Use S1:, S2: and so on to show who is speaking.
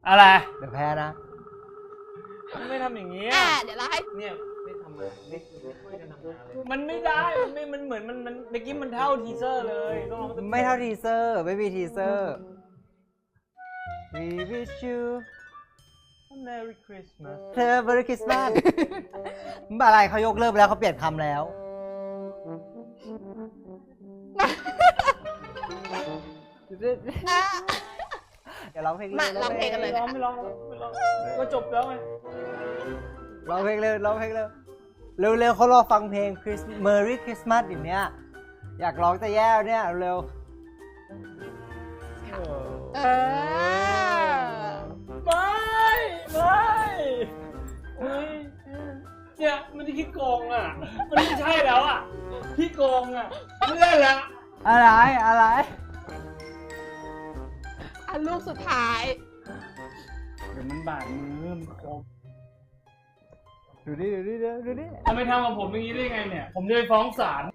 S1: อะไร
S2: เดี๋ยวแพ้นะ
S1: ไม่ทำอย่างนี้
S3: เดี๋ยวเราให้
S1: เนี่ยไม่ทำอะไรไม่ช่วยกันทำงานเลยมันไม่ได้มันเหมือนมันเมื่อกี้มันเท่าทีเซอร์เลยต้องลอง
S2: ไม่เท่าทีเซอร์ไม่มีทีเซอร์ We wish you
S1: Merry Christmas
S2: Merry Christmas อะไรเขายกเลิกแล้วเขาเปลี่ยนคำแล้ว เดี๋ยวร้องเพลง
S3: มาร้องเพลงกันเลย
S1: ไม่ร้องก็จบแล้วไง
S2: ร้องเพลงเลยร้องเพลงเลยเร็วๆเขารอฟังเพลง Merry Christmas อย่างเนี้ยอยากร้องแต่แย่เนี่ยเร็ว
S3: เออ
S1: ไม่เนี่ยมันจะขี้โกงอ่ะมันไม่ใช่แล้วอ่ะขี้โกงอ่ะไม่ได้ละ
S2: อะไร
S3: อันลูกสุดท้าย
S1: เดี๋ยวมันบาดมือมันคม
S2: ดูดิ
S1: ทำไมทำกับผมอย่างนี้ได้ไงเนี่ยผมจะไปฟ้องศาล